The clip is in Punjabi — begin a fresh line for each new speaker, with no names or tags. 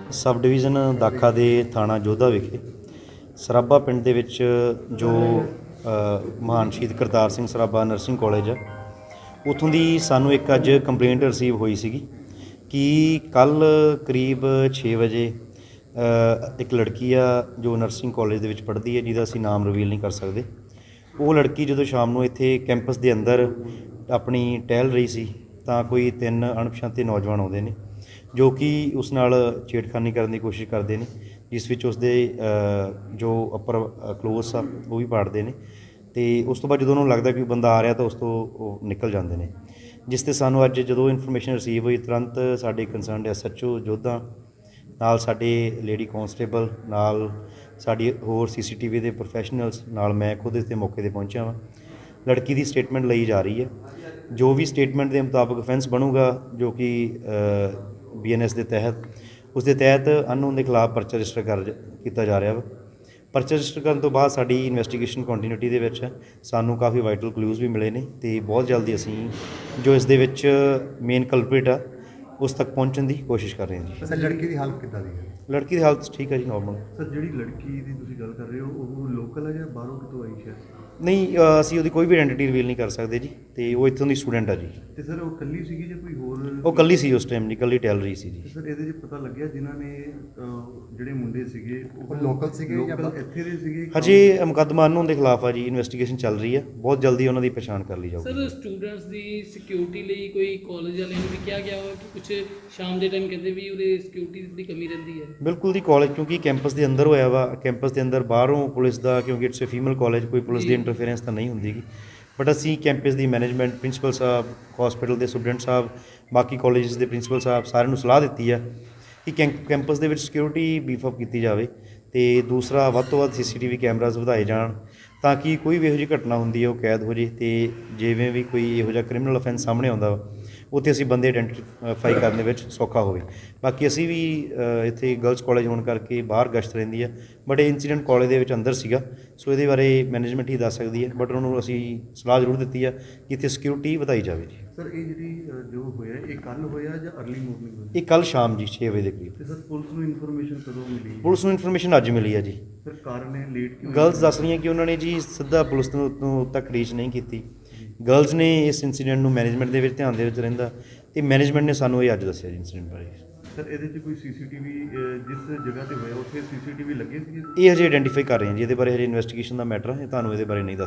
ਸਬ ਡਿਵੀਜ਼ਨ ਦਾਖਾ ਦੇ ਥਾਣਾ ਜੋਧਾ ਵਿਖੇ ਸਰਾਭਾ ਪਿੰਡ ਦੇ ਵਿੱਚ ਜੋ ਮਹਾਨ ਸ਼ਹੀਦ ਕਰਤਾਰ ਸਿੰਘ ਸਰਾਭਾ ਨਰਸਿੰਗ ਕਾਲਜ ਆ, ਉੱਥੋਂ ਦੀ ਸਾਨੂੰ ਇੱਕ ਅੱਜ ਕੰਪਲੇਂਟ ਰਿਸੀਵ ਹੋਈ ਸੀਗੀ ਕਿ ਕੱਲ੍ਹ ਕਰੀਬ 6 ਵਜੇ ਇੱਕ ਲੜਕੀ ਆ ਜੋ ਨਰਸਿੰਗ ਕਾਲਜ ਦੇ ਵਿੱਚ ਪੜ੍ਹਦੀ ਹੈ, ਜਿਹਦਾ ਅਸੀਂ ਨਾਮ ਰਿਵੀਲ ਨਹੀਂ ਕਰ ਸਕਦੇ। ਉਹ ਲੜਕੀ ਜਦੋਂ ਸ਼ਾਮ ਨੂੰ ਇੱਥੇ ਕੈਂਪਸ ਦੇ ਅੰਦਰ ਆਪਣੀ ਟਹਿਲ ਰਹੀ ਸੀ ਤਾਂ ਕੋਈ 3 ਅਣਪਛਾਤੇ ਨੌਜਵਾਨ ਆਉਂਦੇ ਨੇ ਜੋ ਕਿ ਉਸ ਨਾਲ ਛੇੜਖਾਨੀ ਕਰਨ ਦੀ ਕੋਸ਼ਿਸ਼ ਕਰਦੇ ਨੇ, ਜਿਸ ਵਿੱਚ ਉਸਦੇ ਜੋ ਅੱਪਰ ਕਲੋਥਸ ਆ ਉਹ ਵੀ ਪਾੜਦੇ ਨੇ। ਅਤੇ ਉਸ ਤੋਂ ਬਾਅਦ ਜਦੋਂ ਉਹਨਾਂ ਨੂੰ ਲੱਗਦਾ ਕਿ ਬੰਦਾ ਆ ਰਿਹਾ ਤਾਂ ਉਸ ਤੋਂ ਉਹ ਨਿਕਲ ਜਾਂਦੇ ਨੇ। ਜਿਸ 'ਤੇ ਸਾਨੂੰ ਅੱਜ ਜਦੋਂ ਇਨਫੋਰਮੇਸ਼ਨ ਰਿਸੀਵ ਹੋਈ, ਤੁਰੰਤ ਸਾਡੇ ਕੰਸਰਨਡ SHO ਜੋਧਾ ਨਾਲ ਸਾਡੇ ਲੇਡੀ ਕਾਂਸਟੇਬਲ ਨਾਲ ਸਾਡੀ ਹੋਰ CCTV ਦੇ ਪ੍ਰੋਫੈਸ਼ਨਲਸ ਨਾਲ ਮੈਂ ਖੁਦ ਇੱਥੇ ਮੌਕੇ 'ਤੇ ਪਹੁੰਚਿਆ ਵਾਂ। ਲੜਕੀ ਦੀ ਸਟੇਟਮੈਂਟ ਲਈ ਜਾ ਰਹੀ ਹੈ। ਜੋ ਵੀ ਸਟੇਟਮੈਂਟ ਦੇ ਮੁਤਾਬਕ ਅਫੈਂਸ ਬਣੂਗਾ, ਜੋ ਕਿ BNS ਦੇ ਤਹਿਤ, ਉਸ ਦੇ ਤਹਿਤ ਅਨਨੋਨ ਦੇ ਖਿਲਾਫ ਪਰਚਾ ਰਜਿਸਟਰ ਕੀਤਾ ਜਾ ਰਿਹਾ ਵਾ। ਪਰਚਾ ਰਜਿਸਟਰ ਕਰਨ ਤੋਂ ਬਾਅਦ ਸਾਡੀ ਇਨਵੈਸਟੀਗੇਸ਼ਨ ਕੰਟੀਨਿਊਟੀ ਦੇ ਵਿੱਚ ਸਾਨੂੰ ਕਾਫੀ ਵਾਈਟਲ ਕਲੂਜ਼ ਵੀ ਮਿਲੇ ਨੇ ਅਤੇ ਬਹੁਤ ਜਲਦੀ ਅਸੀਂ ਜੋ ਇਸ ਦੇ ਵਿੱਚ ਮੇਨ ਕਲਪ੍ਰਿਟ ਆ ਉਸ ਤੱਕ ਪਹੁੰਚਣ ਦੀ ਕੋਸ਼ਿਸ਼ ਕਰ ਰਹੇ ਹਾਂ ਜੀ।
ਸਰ, ਲੜਕੀ ਦੀ ਹਾਲਤ ਕਿੱਦਾਂ ਦੀ ਹੈ?
ਲੜਕੀ ਦੀ ਹਾਲਤ ਠੀਕ ਹੈ ਜੀ, ਨੋਰਮਲ।
ਸਰ, ਜਿਹੜੀ ਲੜਕੀ ਦੀ ਤੁਸੀਂ ਗੱਲ ਕਰ ਰਹੇ ਹੋ ਉਹ ਲੋਕਲ ਹੈ ਜਾਂ ਬਾਹਰੋਂ ਕਿਤੋਂ ਆਈ ਹੈ?
ਨਹੀਂ, ਅਸੀਂ ਉਹਦੀ ਕੋਈ ਵੀ ਆਇਡੈਂਟੀ ਰਿਵੀਲ ਨਹੀਂ ਕਰ ਸਕਦੇ ਜੀ, ਅਤੇ ਉਹ ਇੱਥੋਂ ਦੀ ਸਟੂਡੈਂਟ ਆ ਜੀ।
ਤੇ ਸਰ ਉਹ ਇਕੱਲੀ ਸੀਗੀ ਜਾਂ ਕੋਈ ਹੋਰ?
ਉਹ ਇਕੱਲੀ ਸੀ ਉਸ ਟਾਈਮ ਜੀ, ਇਕੱਲੀ ਟਹਿਲ ਰਹੀ ਸੀ ਜੀ।
ਸਰ, ਇਹਦੇ 'ਚ ਪਤਾ ਲੱਗਿਆ ਜਿਨ੍ਹਾਂ ਨੇ ਜਿਹੜੇ ਮੁੰਡੇ ਸੀਗੇ ਉਹ
ਲੋਕਲ ਸੀਗੇ ਜਾਂ
ਇੱਥੇ ਦੇ ਸੀਗੇ?
ਹਜੇ ਮੁਕੱਦਮਾ ਅਨਨੋਨ ਦੇ ਖਿਲਾਫ ਆ ਜੀ, ਇਨਵੈਸਟੀਗੇਸ਼ਨ ਚੱਲ ਰਹੀ ਹੈ, ਬਹੁਤ ਜਲਦੀ ਉਹਨਾਂ ਦੀ ਪਛਾਣ ਕਰ ਲਈ ਜਾਊਗੀ।
ਸਰ, ਸਟੂਡੈਂਟਸ ਦੀ ਸਿਕਿਉਰਿਟੀ ਲਈ ਕੋਈ ਕਾਲਜ ਵਾਲਿਆਂ ਨੂੰ ਵੀ ਕਿਹਾ ਗਿਆ ਵਾ ਕਿ ਕੁਝ ਸ਼ਾਮ ਦੇ ਟਾਈਮ ਕਹਿੰਦੇ ਵੀ ਉਹਦੇ ਸਿਕਿਉਰਿਟੀ ਦੀ ਕਮੀ ਰਹਿੰਦੀ ਹੈ?
ਬਿਲਕੁਲ ਜੀ, ਕਾਲਜ ਕਿਉਂਕਿ ਕੈਂਪਸ ਦੇ ਅੰਦਰ ਹੋਇਆ ਵਾ, ਕੈਂਪਸ ਦੇ ਅੰਦਰ ਬਾਹਰੋਂ ਪੁਲਿਸ ਦਾ, ਕਿਉਂਕਿ ਇਟਸ ਅ ਫੀਮੇਲ ਕਾਲਜ, ਕੋਈ ਪੁਲਿਸ ਦੀ ਇੰਟਰਫੇਰੈਂਸ ਤਾਂ ਨਹੀਂ ਹੁੰਦੀ ਗੀ। ਬਟ ਅਸੀਂ ਕੈਂਪਸ ਦੀ ਮੈਨੇਜਮੈਂਟ, ਪ੍ਰਿੰਸੀਪਲ ਸਾਹਿਬ, ਹਸਪੀਟਲ ਦੇ ਸੁਪਰਡੈਂਟ ਸਾਹਿਬ, ਬਾਕੀ ਕਾਲਜਸ ਦੇ ਪ੍ਰਿੰਸੀਪਲ ਸਾਹਿਬ, ਸਾਰਿਆਂ ਨੂੰ ਸਲਾਹ ਦਿੱਤੀ ਆ ਕਿ ਕੈਂਪਸ ਦੇ ਵਿੱਚ ਸਿਕਿਉਰਿਟੀ ਬੀਫ ਅਪ ਕੀਤੀ ਜਾਵੇ ਅਤੇ ਦੂਸਰਾ ਵੱਧ ਤੋਂ ਵੱਧ CCTV ਕੈਮਰਾਜ਼ ਵਧਾਏ ਜਾਣ ਤਾਂ ਕਿ ਕੋਈ ਵੀ ਇਹੋ ਜਿਹੀ ਘਟਨਾ ਹੁੰਦੀ ਹੈ ਉਹ ਕੈਦ ਹੋ ਜੇ, ਅਤੇ ਜਿਵੇਂ ਵੀ ਕੋਈ ਇਹੋ ਜਿਹਾ ਕ੍ਰਿਮੀਨਲ ਅਫੈਂਸ ਸਾਹਮਣੇ ਆਉਂਦਾ ਉੱਥੇ ਅਸੀਂ ਬੰਦੇ ਆਇਡੈਂਟੀਫਾਈ ਕਰਨ ਦੇ ਵਿੱਚ ਸੌਖਾ ਹੋਵੇ। ਬਾਕੀ ਅਸੀਂ ਵੀ ਇੱਥੇ ਗਰਲਸ ਕਾਲਜ ਹੋਣ ਕਰਕੇ ਬਾਹਰ ਗਸ਼ਤ ਰਹਿੰਦੀ ਹੈ, ਬਟ ਇਹ ਇੰਸੀਡੈਂਟ ਕਾਲਜ ਦੇ ਵਿੱਚ ਅੰਦਰ ਸੀਗਾ, ਸੋ ਇਹਦੇ ਬਾਰੇ ਮੈਨੇਜਮੈਂਟ ਹੀ ਦੱਸ ਸਕਦੀ ਹੈ, ਬਟ ਉਹਨਾਂ ਨੂੰ ਅਸੀਂ ਸਲਾਹ ਜ਼ਰੂਰ ਦਿੱਤੀ ਆ ਕਿ ਇੱਥੇ ਸਿਕਿਉਰਿਟੀ ਵਧਾਈ ਜਾਵੇ ਜੀ।
ਸਰ, ਇਹ ਜਿਹੜੀ ਜੋ ਹੋਇਆ ਇਹ ਕੱਲ੍ਹ ਹੋਇਆ ਜਾਂ ਅਰਲੀ ਮਾਰਨਿੰਗ ਹੋਇਆ?
ਇਹ ਕੱਲ੍ਹ ਸ਼ਾਮ ਜੀ 6 ਵਜੇ ਦੇ ਕਰੀਬ।
ਤੇ ਸਰ, ਪੁਲਿਸ ਨੂੰ ਇਨਫੋਰਮੇਸ਼ਨ ਕਦੋਂ ਮਿਲੀ?
ਪੁਲਿਸ ਨੂੰ ਇਨਫੋਰਮੇਸ਼ਨ ਅੱਜ ਮਿਲੀ ਹੈ ਜੀ।
ਸਰ, ਕਾਰਨ ਇਹ ਲੇਟ ਕਿਉਂ?
ਗਰਲਸ ਦੱਸ ਰਹੀਆਂ ਕਿ ਉਹਨਾਂ ਨੇ ਜੀ ਸਿੱਧਾ ਪੁਲਿਸ ਨੂੰ ਤੱਕ ਰੀਚ ਨਹੀਂ ਕੀਤੀ। ਗਰਲਸ ਨੇ ਇਸ ਇੰਸੀਡੈਂਟ ਨੂੰ ਮੈਨੇਜਮੈਂਟ ਦੇ ਵਿੱਚ ਧਿਆਨ ਦੇ ਵਿੱਚ ਰਹਿੰਦਾ ਅਤੇ ਮੈਨੇਜਮੈਂਟ ਨੇ ਸਾਨੂੰ ਇਹ ਅੱਜ ਦੱਸਿਆ ਜੀ ਇੰਸੀਡੈਂਟ ਬਾਰੇ।
ਸਰ, ਇਹਦੇ 'ਚ ਕੋਈ CCTV ਜਿਸ ਜਗ੍ਹਾ ਤੇ ਹੋਇਆ ਉੱਥੇ CCTV ਲੱਗੇ ਸੀਗੇ?
ਇਹ ਹਜੇ ਆਇਡੈਂਟੀਫਾਈ ਕਰ ਰਹੇ ਹਾਂ ਜੀ, ਇਹਦੇ ਬਾਰੇ ਹਜੇ ਇਨਵੈਸਟੀਗੇਸ਼ਨ ਦਾ ਮੈਟਰ ਹੈ, ਤੁਹਾਨੂੰ ਇਹਦੇ ਬਾਰੇ ਨਹੀਂ ਦੱਸ